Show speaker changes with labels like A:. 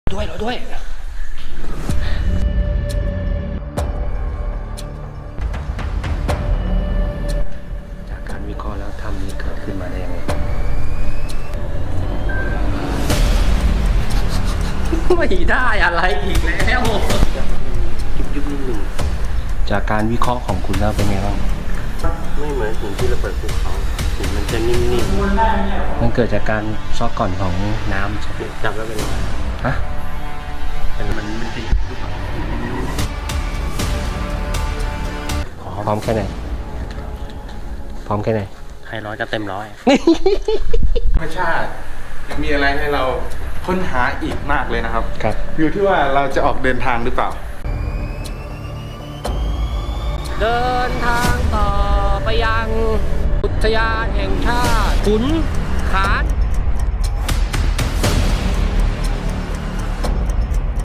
A: ด้วยจากการวิเคราะห์แล้วถ้ำนี้เกิดขึ้นมาได้ยังไงไม่ได้อะไรอีกแล้วยุบนิดหนึ่งจากการวิเคราะห์ของคุณแล้วเป็นไงบ้างไม่เหมือนหินที่ระเบิดภูเขาหินมันจะนิ่มๆมันเกิดจากการซอกก่อนของน้ำใช่ไหมจับแล้วเป็นไงฮะมันไม่ใช่พร้อมแค่ไหนให้ร้อยก็เต็มร้อย
B: ธรรมชาติยังมีอะไรให้เราค้นหาอีกมากเลยนะครับอยู่ที่ว่าเราจะออกเดินทางหรือเปล่า
A: เดินทางต่อไปยังอุทยานแห่งชาติขุนขาน